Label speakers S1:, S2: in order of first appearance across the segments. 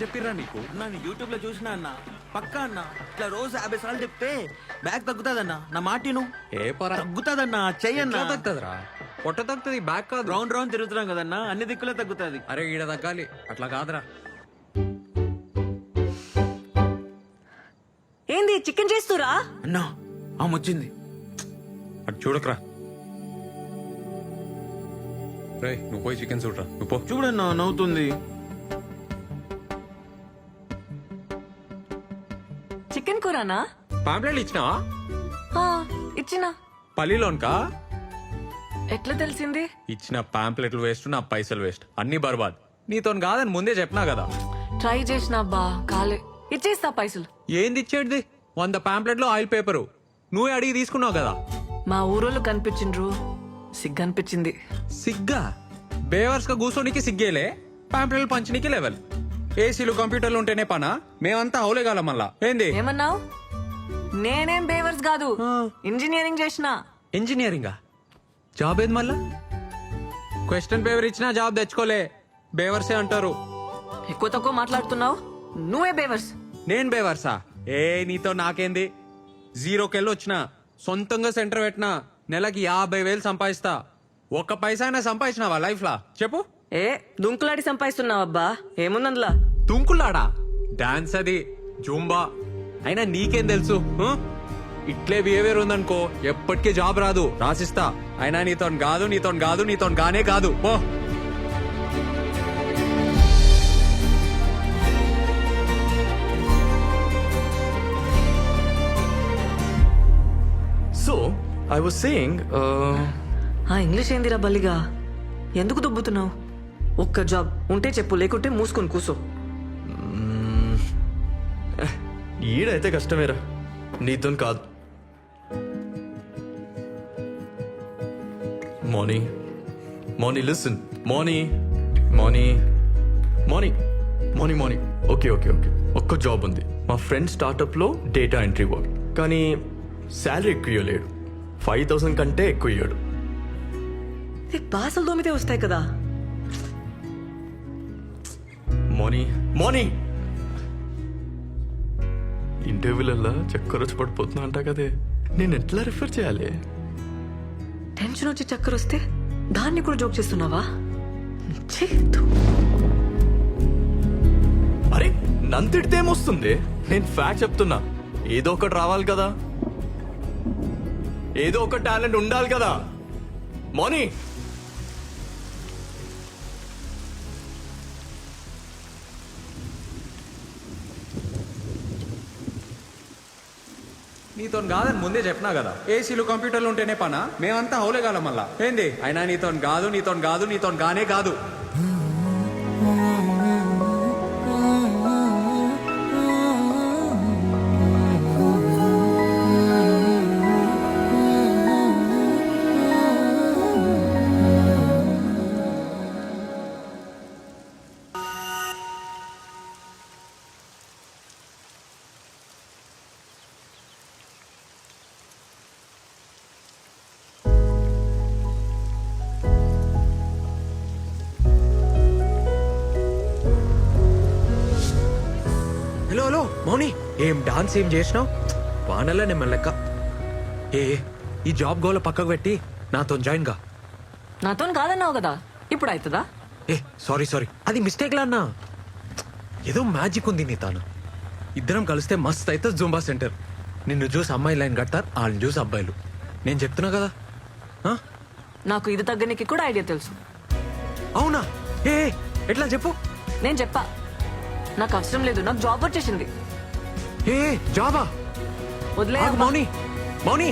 S1: చెప్పిర్రా నీకు?
S2: నేను యూట్యూబ్ లో చూసినా అన్న పక్కా అన్న ఇట్లా రోజు 50 సార్లు చెప్తే బ్యాగ్ తగ్గుతాదన్న నా మాటిను
S1: ఏ పరా
S2: తగ్గుతాదన్న చెయ్యన్న
S1: తగ్గుతుందిరా? పొట్ట తగ్గుతుంది, బ్యాక్ కాదు.
S2: రౌండ్ రౌండ్ తిరుగుతున్నాం కదన్నా అన్ని దిక్కులే తగ్గుతాది.
S1: అరే ఈడ తగ్గాలి, అట్లా కాదురా.
S3: ఏంది చికెన్ చేస్తురా?
S2: అన్నా ఆమె వచ్చింది.
S1: అటు చూడకరా. రే నువ్వు పోయి చికెన్ చూడరా, నువ్వు పో.
S2: చూడన్నా నవ్వుతుంది.
S3: చికెన్ కూరనా?
S1: పాంప్లెట్లు ఇచ్చినావా?
S3: ఆ, ఇచ్చినా.
S1: పల్లిలోన్కా?
S3: ఎట్లా తెలిసింది?
S1: ఇచ్చిన పాంప్లెట్లు వేస్ట్, నా పైసలు వేస్ట్, అన్ని బర్బాద్. నీతో కాదని ముందే చెప్పినా కదా.
S3: ట్రై చేసినా బా కాలే. ఇచ్చేస్తా పైసలు.
S1: ఏంది ఇచ్చేటిది? 100 పాంప్లెట్లు ఆయిల్ పేపరు నువ్వే అడిగి తీసుకున్నావు కదా.
S3: మా ఊరోళ్ళు కనిపించిండ్రు, సిగ్గనిపించింది.
S1: సిగ్గా? బేవర్స్ గా కూర్చోనికి సిగ్గేలే, పాంప్లెట్లు పంచనీకి లెవెల్. ఏసీలు కంప్యూటర్లు ఉంటేనే పనా? మేమంతా అవులేగాల మళ్ళా. ఏంది
S3: ఏమన్నావు? నేనేం బేవర్స్ కాదు, ఇంజనీరింగ్ చేసిన.
S1: ఇంజనీరింగా? జాబ్ ఏది మళ్ళా? క్వశ్చన్ పేపర్ ఇచ్చినా జాబ్ తెచ్చుకోలే, బేవర్సే అంటారు.
S3: ఎక్కువ తక్కువ మాట్లాడుతున్నావు, నువ్వే బేవర్స్.
S1: నేను బేవర్సా? ఏ నీతో నాకేంది? 0కెళ్ళి వచ్చిన, సొంతంగా సెంటర్ పెట్టినా, నెలకి 50,000 సంపాదిస్తా. ఒక్క పైసా అయినా సంపాదించినావా లైఫ్ లా చెప్పు?
S3: ఏ దుంకులాడి సంపాదిస్తున్నావు అబ్బా, ఏముందందులా?
S1: తుంకులాడా? డాన్స్ అది, జూంబా. అయినా నీకేం తెలుసు? ఇట్లే బిహేవియర్ ఉందనుకో ఎప్పటికీ జాబ్ రాదు, రాసిస్తా. అయినా నీతోని కాదు, నీతోని కాదు, నీతోని గానే కాదు, పో.
S4: So, I was saying,
S3: ఆ ఇంగ్లీష్ ఏందిరా బల్లిగా? ఎందుకు దుబ్బుతున్నావు? ఒక్క జాబ్ ఉంటే చెప్పు, లేకుంటే మూసుకొని కూసో.
S4: ఈడైతే కష్టమేరా, నీతో కాదు. Marnie listen, Marnie. ఓకే. ఒక్క జాబ్ ఉంది, మా ఫ్రెండ్ స్టార్ట్అప్ లో డేటా ఎంట్రీ వర్క్. కానీ శాలరీ ఎక్కువ ఇవ్వలేడు, 5,000 కంటే ఎక్కువ ఇయ్యాడు.
S3: బాసలు దోమితే వస్తాయి కదా.
S4: మార్నీ ఇంటర్వ్యూలల్లా చక్కర వచ్చి పడిపోతున్నా అంట కదే, నేను ఎట్లా రిఫర్ చేయాలి?
S3: టెన్షన్ వచ్చి చక్కర వస్తే దాన్ని కూడా జోక్ చేస్తున్నావా?
S4: అరే నంతిడితే ఏమొస్తుంది? నేను ఫ్యాక్ట్ చెప్తున్నా, ఏదో ఒకటి రావాలి కదా, ఏదో ఒక టాలెంట్ ఉండాలి కదా. మార్నీ
S1: నీతోని కాదని ముందే చెప్పినా కదా. ఏసీలు కంప్యూటర్లు ఉంటేనే పనా? మేమంతా అవులేగాల మళ్ళా. ఏంది? అయినా నీతోని కాదు, నీతోని కాదు, నీతోని గానే కాదు. హలో మౌని, ఏం డాన్స్ ఏం చేసినావు? వానల్లా నేను లెక్క. ఈ జాబ్ గోల పక్కకు పెట్టి నాతో జాయిన్ గా.
S3: నాతో కాదన్నావు కదా, ఇప్పుడు అవుతుందా?
S1: సారీ అది మిస్టేక్ లా అన్నా. ఏదో మ్యాజిక్ ఉంది నీ తాను. ఇద్దరం కలిస్తే మస్త్ అయితే జూంబా సెంటర్. నిన్ను చూసి అమ్మాయి లైన్ కడతారు, వాళ్ళని చూసి అబ్బాయిలు. నేను చెప్తున్నా కదా.
S3: నాకు ఇది తగ్గనికి కూడా ఐడియా తెలుసు.
S1: అవునా? ఎట్లా చెప్పు.
S3: నేను చెప్పా, నాకు అవసరం లేదు, నాకు జాబ్ వచ్చేసింది.
S1: జాబా?
S3: వదిలే
S1: మౌని.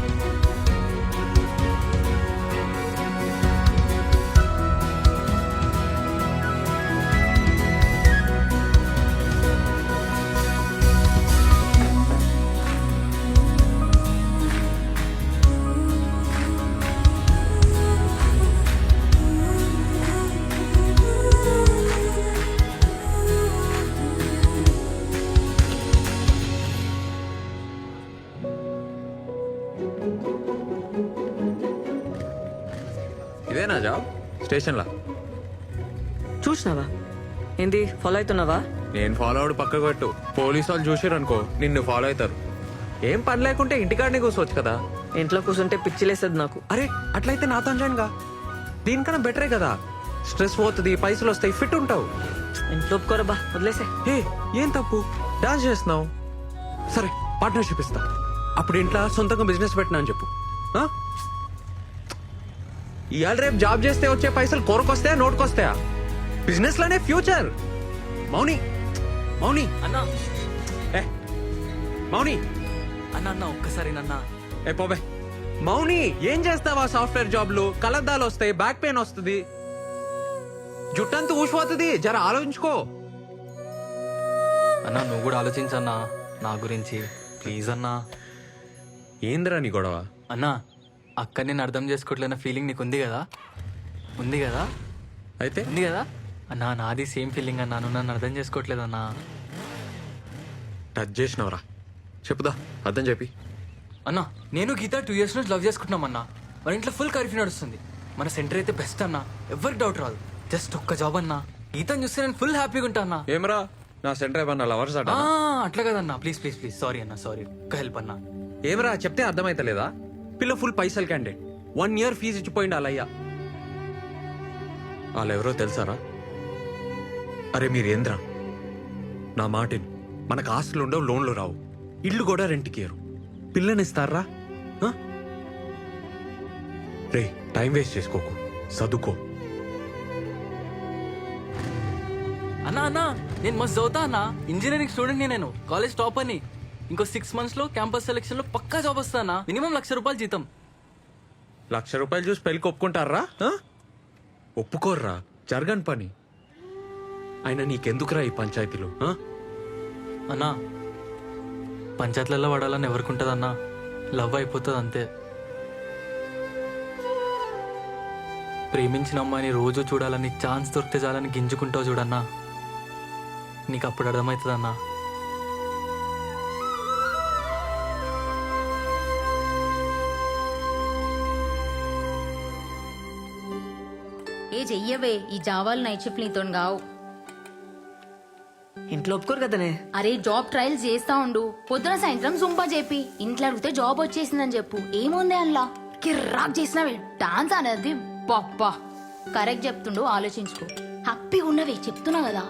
S1: ఇదేనా జాబ్? స్టేషన్లా
S3: చూసినావా? ఏంది ఫాలో అవుతున్నావా?
S1: నేను ఫాలో అవడు పక్కకు పెట్టు. పోలీసు వాళ్ళు చూసారు అనుకో నిన్ను ఫాలో అవుతారు. ఏం పని లేకుంటే ఇంటికాడనే కూర్చోవచ్చు కదా.
S3: ఇంట్లో కూర్చుంటే పిచ్చిలేసేది నాకు.
S1: అరే అట్లయితే నాతో జాయిన్ గా. దీనికన్నా బెటరే కదా. స్ట్రెస్ పోతుంది, పైసలు వస్తాయి, ఫిట్ ఉంటావు.
S3: ఇంట్లో ఒప్పుకోరబ్బా, వదిలేసే.
S1: ఏ ఏం తప్పు, డాన్స్ చేస్తున్నావు. సరే పార్ట్నర్షిప్ ఇస్తా. అప్పుడు ఇంట్లో సొంతంగా బిజినెస్ పెట్టినా అని చెప్పు. ఆ? ఇవాళ రేపు జాబ్ చేస్తే వచ్చే పైసలు కొరకొస్తాయా నోటుకొస్తాయా? బిజినెస్ లోనే ఫ్యూచర్. మౌని మౌని
S5: అన్నా
S1: ఏ మౌని
S5: అన్న అన్న ఒక్కసారి నన్న
S1: ఏ పోబే. మౌని ఏం చేస్తావా సాఫ్ట్వేర్ జాబ్లు? కలద్దాలు వస్తాయి, బ్యాక్ పెయిన్ వస్తుంది, జుట్టంతా ఊసిపోతుంది. జర ఆలోచించుకో.
S5: అన్న నువ్వు కూడా ఆలోచించన్నా నా గురించి ప్లీజ్ అన్నా.
S1: ఏందిరా నీ గొడవ?
S5: అన్నా అక్క నేను అర్థం చేసుకోవట్లేన ఫీలింగ్ నీకు ఉంది కదా? ఉంది కదా?
S1: అయితే
S5: ఉంది కదా అన్నా? నాది సేమ్ ఫీలింగ్ అన్నా. నువ్వు నన్ను అర్థం చేసుకోవట్లేదన్నా.
S1: టచ్ చేసినవరా? చెప్పుదా, అర్థం చెప్పి.
S5: అన్నా నేను గీత 2 years నుంచి లవ్ చేసుకుంటున్నాం అన్నా. మన ఇంట్లో ఫుల్ కర్ఫ్యూ నడుస్తుంది. మన సెంటర్ అయితే బెస్ట్ అన్నా, ఎవరికి డౌట్ రాదు. జస్ట్ ఒక్క జాబ్ అన్నా. గీతను చూస్తే నేను ఫుల్ హ్యాపీగా ఉంటా అన్నా.
S1: ఏమరా నా సెంటర్ ఏమన్నా లవర్స్ అట?
S5: అట్లా కదన్నా, ప్లీజ్ ప్లీజ్ ప్లీజ్. సారీ అన్నా, సారీ. ఒక్క హెల్ప్ అన్నా.
S1: ఏమరా చెప్తే అర్థమైతలేదా? పిల్ల ఫుల్ పైసలు క్యాండిడేట్, 1 year ఫీజు ఇచ్చిపోయింది వాళ్ళయ్యా. వాళ్ళెవరో తెలుసారా? అరే మీరేంద్రా, నా మాటిని. మనకు ఆస్తులు ఉండవు, లోన్లు రావు, ఇల్లు కూడా రెంట్కి ఇయ్యరు. పిల్లనిస్తారా? రే టైం వేస్ట్ చేసుకోకు, చదువుకో.
S5: అన్నా అన్నా నేను మస్తు చదువుతా అన్నా. ఇంజనీరింగ్ స్టూడెంట్ నేను, కాలేజ్ టాప్ అని. ఇంకో 6 months లో క్యాంపస్ సెలెక్షన్ లో పక్కా జాబ్ వస్తానా. మినిమం ₹1,00,000 జీతం.
S1: ₹1,00,000 చూసి పెళ్ళికి ఒప్పుకుంటారా? ఒప్పుకోర్రా, జరగని పని. అయినా నీకెందుకురా ఈ పంచాయతీలు?
S5: అన్నా పంచాయతీలలో పడాలని ఎవరికి అన్నా? లవ్ అయిపోతుంది అంతే. ప్రేమించిన అమ్మాయిని రోజు చూడాలని, ఛాన్స్ దొరికితే చాలని గింజుకుంటావు చూడన్నా. నీకు అప్పుడు అర్థమవుతుంది అన్నా.
S6: ఏ చెయ్యవే, ఈ జావాలు నైట్ షిఫ్ట్ నీతో గావు.
S3: ఇంట్లో ఒప్పుకోరు కదనే.
S6: అరే జాబ్ ట్రయల్స్ చేస్తా ఉండు, పొద్దున సాయంత్రం సుంపా చెప్పి ఇంట్లో అడిగితే జాబ్ వచ్చేసిందని చెప్పు. ఏముంది అందులో? కిర్రాక్ చేసినవే డాన్స్ అనేది. పప్పా కరెక్ట్ చెప్తుండు, ఆలోచించుకో. హ్యాపీగా ఉన్నవే, చెప్తున్నా కదా.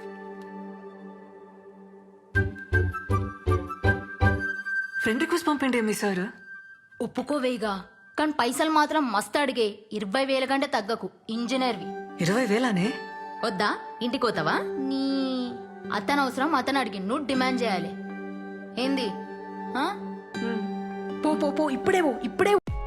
S3: ఫ్రెండ్ రిక్వెస్ట్ పంపండి మీ సార్.
S6: ఒప్పుకోవేగా, కానీ పైసలు మాత్రం మస్తు అడిగే. 20,000 కంటే తగ్గకు. ఇంజనీర్వి.
S3: 20,000నే?
S6: వద్దా? ఇంటికి పోతావా? నీ అతను అవసరం అతను అడిగి నువ్వు డిమాండ్ చేయాలి. ఏంది? ఆ? పో పో పో, ఇప్పుడే పో, ఇప్పుడే పో.